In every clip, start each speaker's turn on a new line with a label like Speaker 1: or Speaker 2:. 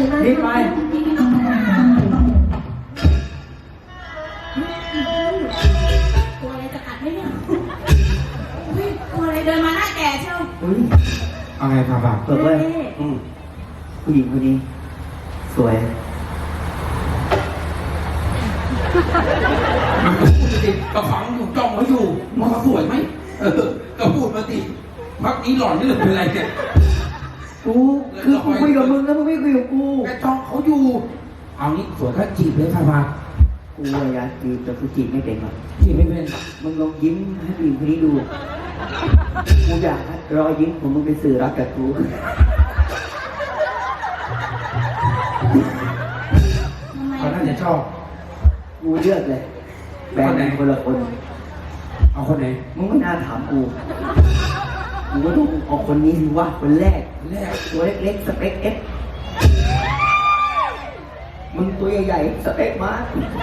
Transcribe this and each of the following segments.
Speaker 1: รีบไป
Speaker 2: ตัวอะไรจะกัดไหมเนี่ยตัวอะไรเดินมาหน้าแก่เชียว
Speaker 1: เอาไงพาบาเปิดเลยผู้หญิงคนนี้สวย
Speaker 3: มันก็พูดมาสิก็ฟังอยู่จ้องเขาอยู่มันเขาสวยไหมก็พูดมาสิพักนี้หล่อนนี่หรือเป็นไรเนี่ย
Speaker 1: กูคือกูคุยกับมึงแล้วมึงไม่คุยกับกู
Speaker 3: แกจ้องเขาอยู่เอานี้สวยก็จีบเลยค่ะมา
Speaker 1: กูอยากจีบแต่กูจีบไม่เป็นหรอก
Speaker 3: จีบไม่เป็น
Speaker 1: มึงลองยิ้มให้ผู้หญิงคนนี้ดูกูอยากรอยยิ้มของมึงเป็นสื่อรักกับกู
Speaker 3: เขาน่าจะชอบ
Speaker 1: กูเลือกเลยแบ่งเป็นคนละคน
Speaker 3: เอาคนไหน
Speaker 1: มึงไม่น่าถามกูกูก็ต้องเอาคนนี้สิว่าคนแรกตัวเล็กๆสเปคเอสมึงตัวใหญ่ๆสเปคมา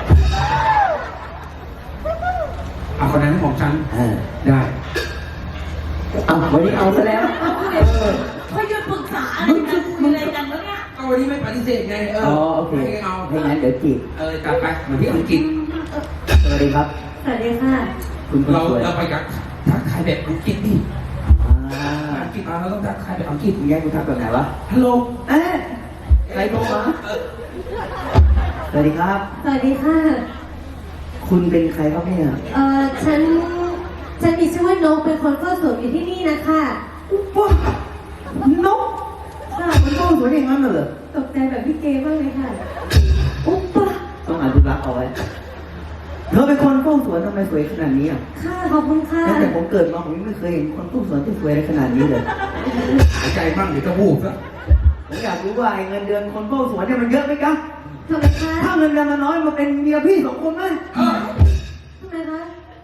Speaker 3: เอาคนนั้นของฉันได้
Speaker 1: เอาวันนี้เอาซะแล้ว
Speaker 2: เขาหยุดปรึกษาอะไรกันคุยอะไรกันแล้วเนี่ย
Speaker 3: ก็วันนี้ไม่ปฏิเสธไง
Speaker 1: โอเค
Speaker 3: เอา
Speaker 1: ให้งั้นเดี๋ยวจีบ
Speaker 3: จัดไปเหมือนที่อังกฤษ
Speaker 1: สวัสดีครับ
Speaker 2: สวัสดีค่ะ
Speaker 1: คุณ
Speaker 3: เราไปกับทักทายแบบอังกฤษดิอังกฤษเราต้องทักทายแบบอังกฤษ
Speaker 1: คุณแย่คุณทักแบบไหนวะ
Speaker 3: ฮัลโหล
Speaker 1: ใครโทรมาสวัสดีครับ
Speaker 2: สวัสดีค่ะ
Speaker 1: คุณเป็นใครครับเนี่ย
Speaker 2: ฉันมีชื่อว่านกเป็นคนเฝ้าสวนอยู่ที่นี่นะคะ
Speaker 1: ว้านกค่ะมันเฝ้าสวนอย่างนั้นเหรอ
Speaker 2: ตกใจแบบพี่เกมากเลยค่ะอุ๊บปะ
Speaker 1: ต้องอนุรักษ์เอาไว้เธอเป็นคนเฝ้าสวนทำไมสวยขนาดนี้อ่ะ
Speaker 2: ค่ะขอบคุณค่ะ
Speaker 1: ตั้งแต่ผมเกิดมาผมไม่เคยเห็นคนเฝ้าสวนที่สวยอะไรขนาดนี้เลย
Speaker 3: หายใจมั่งเดี๋ยวจะพูดซะ
Speaker 1: ผมอยากรู้ว่าเงินเดือนคนเฝ้าสวนเนี่ยมันเยอะไหมครับ
Speaker 2: ทำไมคะ
Speaker 1: ถ้าเงินเดือนมันน้อยมาเป็นเมียพี่2 คนไหม
Speaker 2: ทำไมคะ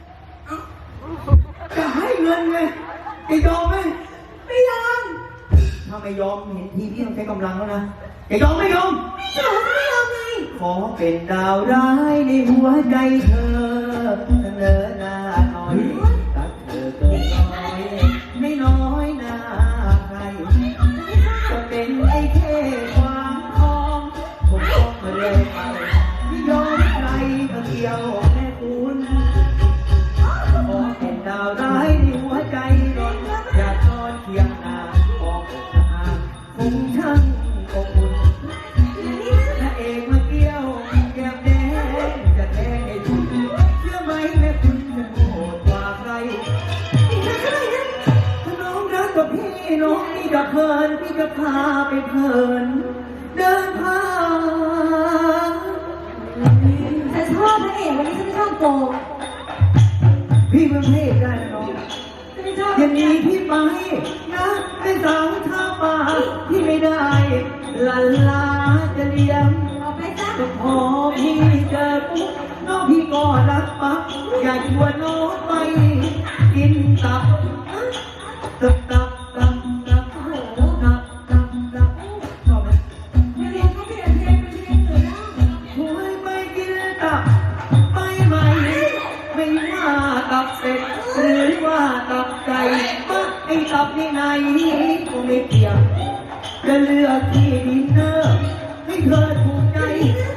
Speaker 1: จะให้เงินไงจะยอมไหม
Speaker 2: ไม่ยอม
Speaker 1: ถ้าไม่ยอมเห็นทีพี่ต้องใช้กำลังแล้วนะจะยอมไม่ยอม
Speaker 2: ไม่ยอมไง
Speaker 1: ขอเป็นดาวร้ายในหัวใจเธอเสนอหน้าหน่อยรักเธอเกินร้อยไม่น้อยหน้าใครจะเป็นไอ้เท่ความทองผมต้องมาเลยไปไม่ยอมใครก็เดียวแม่คุณขอเป็นดาวร้ายในหัวใจร้อนอยากนอนเคียงนาออกอกหาคงช่างอบอุ่นพระเอกมาเกี่ยวแก้มแดงจะแทงให้คุณเชื่อไหมแม่คุณจะโหดกว่าใครถ้าน้องรักกับพี่น้องพี่จะเพลินพี่จะพาไปเพลินเดินผ่าน
Speaker 2: ฉันชอบพระเอกวันนี้ฉันไม่ชอบโกง
Speaker 1: พี่เป็นพระเอกได้นะน้องอย่างนี้พี่ไปนะเป็นสาวท่าป่าพี่ไม่ได้ลันลาจะเลี้ยงก็พอพี่เจอปุ๊บน้องพี่ก็รักปั๊บอยากชวนน้องไปกินตับตับตับตับตับตับตับตับตับชอบไหม
Speaker 2: ไม่เรียนเขาเปลี่ยนเพลงเป็นเพลงอื่นแล้ว
Speaker 1: ชวนไปกินตับไปไหมไม่ว่าตับเป็ดหรือว่าตับไก่มาไอ้ตับนี่ไหนก็ไม่เกี่ยวจะเลือกที่ดินเนอร์ให้เธอถูกใจ